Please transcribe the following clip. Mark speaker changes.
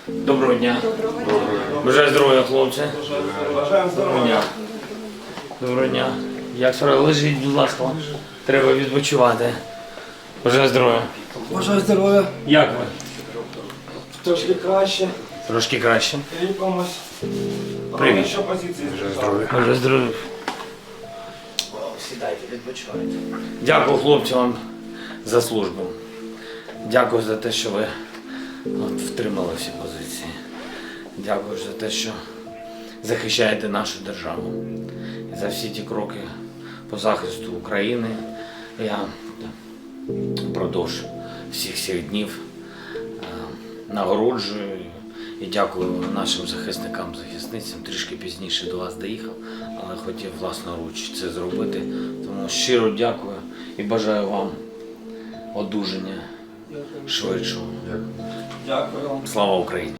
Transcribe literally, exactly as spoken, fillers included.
Speaker 1: Доброго дня.
Speaker 2: Доброго дня.
Speaker 1: Бажаю здоров'я, хлопці.
Speaker 2: Бажаємо
Speaker 1: Доброго дня. Доброго дня. Як справа? Лежіть, будь ласка. Треба відпочивати. Бажаю здоров'я.
Speaker 2: Бажаю здоров'я.
Speaker 1: Як ви?
Speaker 2: Трошки краще.
Speaker 1: Трошки краще.
Speaker 2: Ліпимось.
Speaker 1: Привіт.
Speaker 2: Що позиції?
Speaker 1: Бажаю здоров'я. Сідайте, відпочивайте. Дякую хлопцям за службу. Дякую за те, що ви от, втримали всі позиції. Дякую за те, що захищаєте нашу державу. І за всі ті кроки по захисту України. Я впродовж всіх цих днів е, нагороджую і дякую нашим захисникам, захисницям. Трішки пізніше до вас доїхав, але хотів власноруч це зробити. Тому щиро дякую і бажаю вам одужання швидшого.
Speaker 2: Дякую вам.
Speaker 1: Слава Україні!